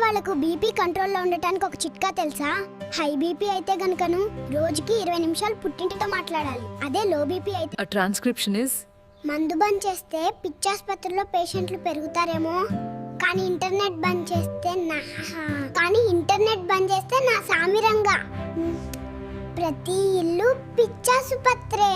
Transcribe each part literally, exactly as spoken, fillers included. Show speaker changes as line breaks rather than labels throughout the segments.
వాళ్ళకు బీపీ కంట్రోల్లో ఉండటానికి ఒక చిట్కా తెలుసా? హై బీపీ అయితే గనుకను రోజుకి ఇరవై నిమిషాలు పుట్టింటితో మాట్లాడాలి. అదే లో బీపీ అయితే
A transcription is
మందు బంద్ చేస్తే పిచ్చాసుపత్రిలో పేషెంట్లు పెరుగుతారేమో, కానీ ఇంటర్నెట్ బంద్ చేస్తే నా కానీ ఇంటర్నెట్ బంద్ చేస్తే నా సామిరంగా ప్రతి ఇల్లు పిచ్చాసుపత్రే.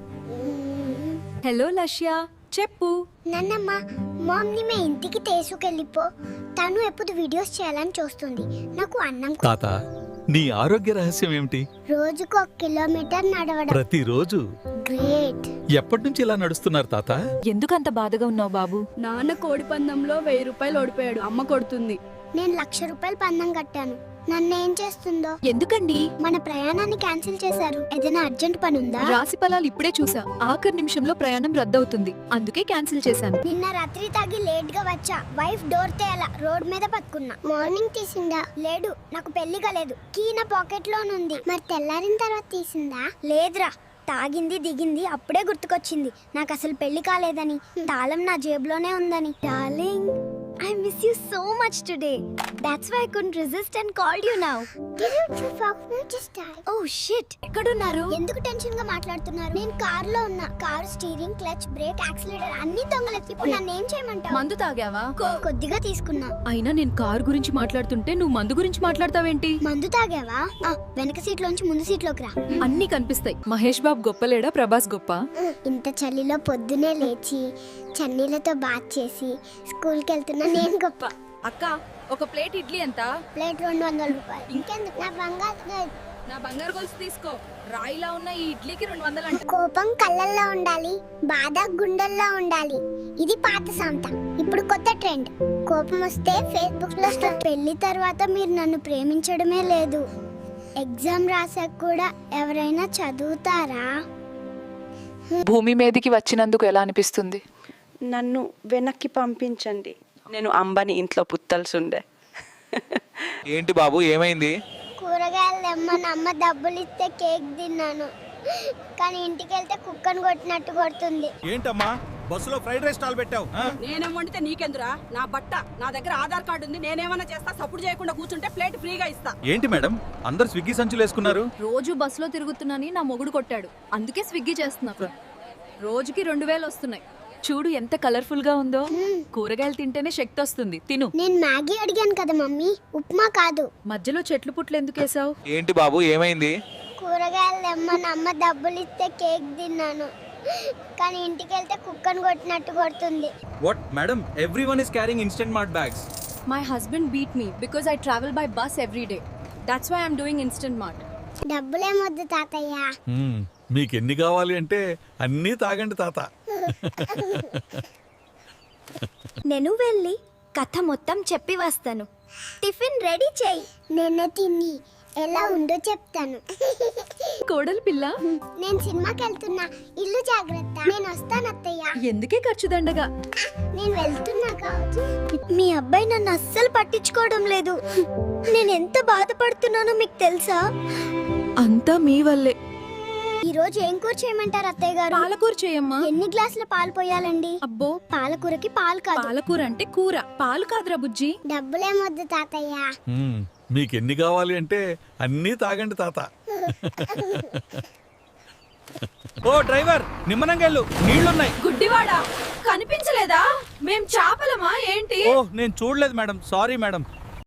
హలో లక్ష్య, చెప్పు.
నన్నమ్మ మామ్ని మే ఇంటికి తీసుకెళ్ళిపో. తను ఎప్పుడు వీడియోస్ చేయాలని చూస్తుంది. నాకు అన్నం కూ-
తాత, నీ ఆరోగ్య రహస్యం ఏమిటి?
రోజుకు ఒక కిలోమీటర్ నడవడం.
ప్రతిరోజు
గ్రేట్.
ఎప్పటి నుంచి ఇలా నడుస్తున్నారు తాత?
ఎందుకంత బాధగా ఉన్నావు బాబు?
నాన్న కోడి పందంలో వెయ్యి రూపాయలు ఓడిపోయాడు. అమ్మ కొడుతుంది.
నేను లక్ష రూపాయలు పందెం కట్టాను. నన్ను ఏం చేస్తుందో?
ఎందుకండి?
మన ప్రయాణాన్ని క్యాన్సిల్ చేశారు. ఏదైనా అర్జెంట్ పని ఉందా?
రాశి ఫలాలు ఇప్పుడే చూసా. ఆఖరి నిమిషంలో ప్రయాణం రద్దవుతుంది, అందుకే క్యాన్సిల్ చేశాను.
నిన్న రాత్రి తాగి లేట్ గా వచ్చా. వైఫ్ డోర్ తేయాల, రోడ్ మీద పట్టుకున్నా. మార్నింగ్ తీసిందా? లేడు, నాకు పెళ్లి కాలేదు. కీ నా పాకెట్ లోనుంది. మరి తెల్లారిన తర్వాత తీసిందా? లేదురా, తాగింది దిగింది అప్పుడే గుర్తుకొచ్చింది నాకు అసలు పెళ్లి కాలేదని. తాళం నా జేబులోనే ఉందని. Darling, I miss you so much today. That's why I couldn't resist and called you now. Didn't you fuck me just die? Oh shit.
ఎక్కడున్నారు?
ఎందుకు టెన్షన్ గా మాట్లాడుతున్నారు? నేను కార్ లో ఉన్నా. Car steering, clutch, brake, accelerator అన్ని దొంగలకి. ఇప్పుడు నన్ను ఏం చేయమంటావు?
మందు తాగావా?
కొ- కొద్దిగా తీసుకున్నా.
అయినా నేను కారు గురించి మాట్లాడుతుంటే నువ్వు మందు గురించి మాట్లాడతావేంటి?
మందు తాగావా? ఆ, వెనక సీట్ లోంచి ముందు సీట్ లోకి రా.
అన్ని కనిపిస్తాయి. మహేష్ బాబు గొప్పలేడా, ప్రభాస్ గొప్ప?
ఇంత చలిలో పొద్దునే లేచి చన్నీళ్ళతో బాత్ చేసి స్కూల్కి వెళ్తున్నా నేను గొప్ప.
అక్క, ఒక ప్లేట్ ఇడ్లీ ఎంత?
ప్లేట్ రెండు వందల రూపాయలు. ఇంకెందుకు? నా బంగారు
నా బంగారు గొలుసు తీసుకో. రాయిలా ఉన్న ఈ ఇడ్లీకి రెండు వందలు అంట.
కోపం కళ్ళల్లో ఉండాలి, బాధ గుండెల్లో ఉండాలి. ఇది పాత సాంత. ఇప్పుడు కొత్త ట్రెండ్. కోపం వస్తే ఫేస్బుక్ లో స్టోరీ. పెళ్లి తర్వాత మీరు నన్ను ప్రేమించడమే లేదు. ఎగ్జామ్ రాసాక కూడా ఎవరైనా చదువుతారా?
భూమి మీదకి వచ్చినందుకు ఎలా అనిపిస్తుంది?
నన్ను వెనక్కి పంపించండి. నేను అంబని ఇంట్లో పుత్తల్సుండే.
ఏంటి బాబు, ఏమైంది?
కూరగాయలు తెమ్మని అమ్మ డబ్బులు ఇస్తే కేక్ తిన్నాను, కానీ ఇంటికి వెళ్తే కుక్కను కొట్టినట్టు కొడుతుంది.
ఏంటమ్మా బస్సులో ఫ్రైడ్ రైస్ స్టాల్ పెట్టావు?
నేనేం వండితే నీకెందురా? నా బట్ట నా దగ్గర ఆధార్ కార్డు ఉంది. నేనేమన్నా చేస్తా? సపోర్ట్ చేయకుండా కూర్చుంటే ప్లేట్ ఫ్రీగా ఇస్తా.
ఏంటి మేడం, అందరు స్విగ్గీ సంచులు వేసుకున్నారు?
రోజు బస్సులో తిరుగుతున్నాని నా మొగుడు కొట్టాడు, అందుకే స్విగ్గీ చేస్తున్నా. రోజుకి రెండు వేలు వస్తున్నాయి. చూడు ఎంత కలర్ఫుల్ గా ఉందో. కూరగాయలు తింటేనే శక్తి వస్తుంది, తిను.
నేను మ్యాగీ అడిగాను కదా మమ్మీ, ఉప్మా కాదు.
మధ్యలో చెట్లు పుట్లు ఎందుకు వేసావు?
ఏంటి బాబు, ఏమైంది?
కూరగాయలు తెమ్మని అమ్మ డబ్బులు ఇస్తే కేక్ తిన్నాను, కానీ ఇంటికి వెళ్తే కుక్కను కొట్టినట్టు కొడుతుంది.
What madam, everyone is carrying instant mart bags.
My husband beat me because I travel by bus every day. That's why I'm doing Instant Mart.
డబ్బులేమొద్దు తాతయ్య.
మ్మ్, మీకెన్ని కావాలి అంటే అన్నీ తాగండి తాత.
నేను వెళ్ళి కథ మొత్తం చెప్పి వస్తాను. టిఫిన్ రెడీ చేయి. నిన్న తిని ఎలా ఉందో చెప్తాను.
కోడలు పిల్ల,
నేను సినిమాకి వెళ్తున్నా, ఇల్లు జాగ్రత్త. నేను వస్తాను అత్తయ్య.
ఎందుకే ఖర్చు దండగా?
నేను వెళ్తున్నా కావచ్చు. మీ అబ్బాయి నన్ను అస్సలు పట్టించుకోవడం లేదు. నేను ఎంత బాధపడుతున్నానో మీకు తెలుసా?
అంతా మీ వల్లే.
ఈ రోజు ఏం కూర చేయమంటారు అత్తయ్య గారు?
పాలకూర చేయమ్మా.
ఎన్ని గ్లాసుల పాలు పోయాలండి?
అబ్బో,
పాలకూరకి పాలు కాదు.
పాలకూర అంటే కూర, పాలు కాదురా బుజ్జి.
డబ్బులేమొద్దు తాతయ్య.
మ్మ్, మీకెన్ని కావాలి అంటే అన్నీ తాగండి తాత.
ఓ డ్రైవర్, నిమ్మనంగా వెళ్ళు, నీళ్లున్నాయి.
గుడ్డివాడా, కనిపించలేదా? మేం చాపలమా ఏంటి?
ఓ నేను చూడలేదు మేడం, సారీ మేడం.